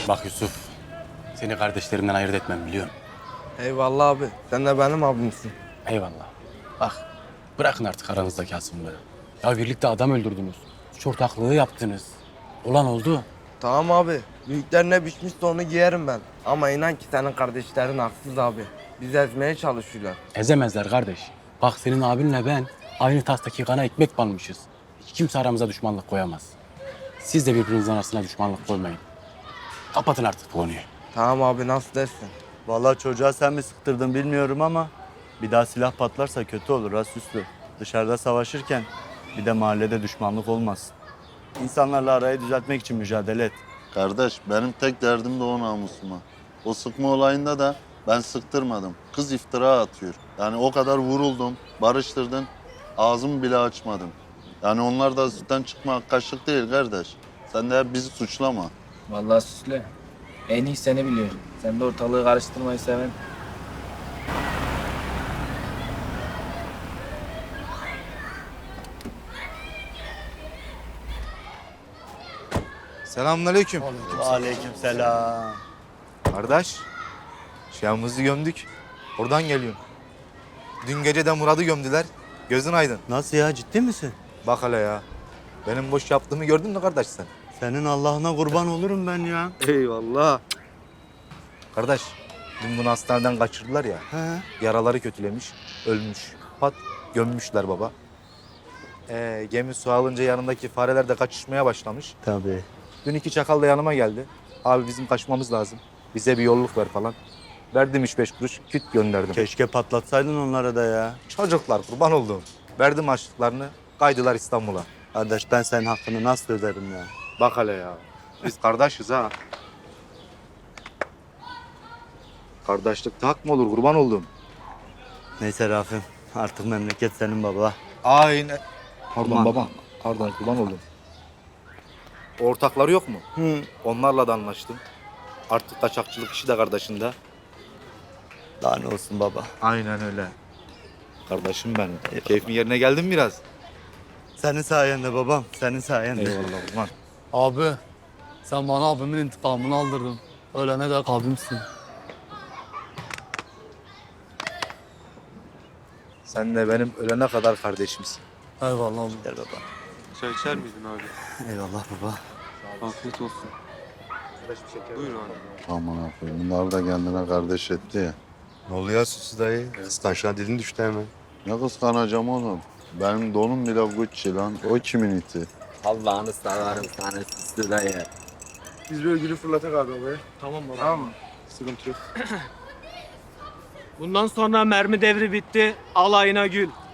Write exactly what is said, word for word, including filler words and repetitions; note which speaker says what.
Speaker 1: Bak Yusuf, seni kardeşlerimden ayırt etmem biliyorum.
Speaker 2: Eyvallah abi. Sen de benim abimsin.
Speaker 1: Eyvallah. Bak, bırakın artık aranızdaki hasımlığı. Ya birlikte adam öldürdünüz. Suç ortaklığı yaptınız. Olan oldu.
Speaker 2: Tamam abi. Büyükler ne biçmişse onu giyerim ben. Ama inan ki senin kardeşlerin haksız abi. Bizi ezmeye çalışıyorlar.
Speaker 1: Ezemezler kardeş. Bak senin abinle ben aynı tastaki kana ekmek banmışız. Hiç kimse aramıza düşmanlık koyamaz. Siz de birbirinizin arasına düşmanlık koymayın. Kapatın artık bu konuyu.
Speaker 2: Tamam abi nasıl dersin?
Speaker 3: Vallahi çocuğa sen mi sıktırdın bilmiyorum ama bir daha silah patlarsa kötü olur ha Süslü. Dışarıda savaşırken bir de mahallede düşmanlık olmasın. İnsanlarla arayı düzeltmek için mücadele et.
Speaker 4: Kardeş benim tek derdim de o namusuma. O sıkma olayında da ben sıktırmadım. Kız iftira atıyor. Yani o kadar vuruldum, barıştırdın, ağzımı bile açmadım. Yani onlar da sütten çıkma kaşık değil kardeş. Sen de hep bizi suçlama.
Speaker 5: Vallahi Süslü. En iyi seni biliyor. Sen de ortalığı karıştırmayı seven.
Speaker 6: Selamünaleyküm.
Speaker 3: Aleykümselam.
Speaker 6: Kardeş, şahımızı gömdük. Oradan geliyorum. Dün gece de Murat'ı gömdüler. Gözün aydın.
Speaker 3: Nasıl ya, ciddi misin?
Speaker 6: Bak hele ya. Benim boş yaptığımı gördün mü kardeş sen?
Speaker 3: Senin Allah'ına kurban olurum ben ya.
Speaker 6: Eyvallah. Kardeş, dün bunu hastaneden kaçırdılar ya.
Speaker 3: He.
Speaker 6: Yaraları kötülemiş, ölmüş. Pat, gömmüşler baba. Ee, gemi su alınca yanındaki fareler de kaçışmaya başlamış.
Speaker 3: Tabii.
Speaker 6: Dün iki çakal da yanıma geldi. Abi bizim kaçmamız lazım. Bize bir yolluk ver falan. Verdim üç beş kuruş, küt gönderdim.
Speaker 3: Keşke patlatsaydın onlara da ya.
Speaker 6: Çocuklar kurban olduğum. Verdim harçlıklarını, kaydılar İstanbul'a.
Speaker 3: Kardeş ben senin hakkını nasıl öderim ya?
Speaker 6: Bak hele ya. Biz kardeşiz ha. Kardeşlik hak mı olur kurban olduğum?
Speaker 3: Neyse Rafim, artık memleket senin baba.
Speaker 6: Aynen. Pardon
Speaker 3: Aman.
Speaker 6: baba. Pardon kurban oldum. Ortakları yok mu?
Speaker 3: Hı.
Speaker 6: Onlarla da anlaştım. Artık kaçakçılık işi de kardeşinde.
Speaker 3: Daha ne olsun baba.
Speaker 6: Aynen öyle. Kardeşim benim. Keyfin yerine geldin mi biraz?
Speaker 3: Senin sayende babam, senin sayende.
Speaker 6: Eyvallah kurban.
Speaker 7: Abi, sen bana abimin intikamını aldırdın. Ölene dek abimsin.
Speaker 6: Sen de benim ölene kadar kardeşimsin.
Speaker 7: Eyvallah abi.
Speaker 3: Gel baba.
Speaker 8: Çay içer miydin abi?
Speaker 3: Eyvallah baba.
Speaker 8: Afiyet olsun. Buyur abi.
Speaker 4: Aman aferin. Bunlar da kendine kardeş etti ya.
Speaker 9: Ne oluyor Süsü dayı? Kıskançlığa dilin düştü hemen.
Speaker 4: Ne kıskanacağım oğlum. Benim donum bile Gucci lan. O kimin iti?
Speaker 5: Allah'ını severim sana Süslü dayı.
Speaker 2: Biz bir ögülü fırlatak abi oraya.
Speaker 7: Tamam baba.
Speaker 2: Tamam mı?
Speaker 8: Sıkıntı yok.
Speaker 10: Bundan sonra mermi devri bitti. Alayına gül.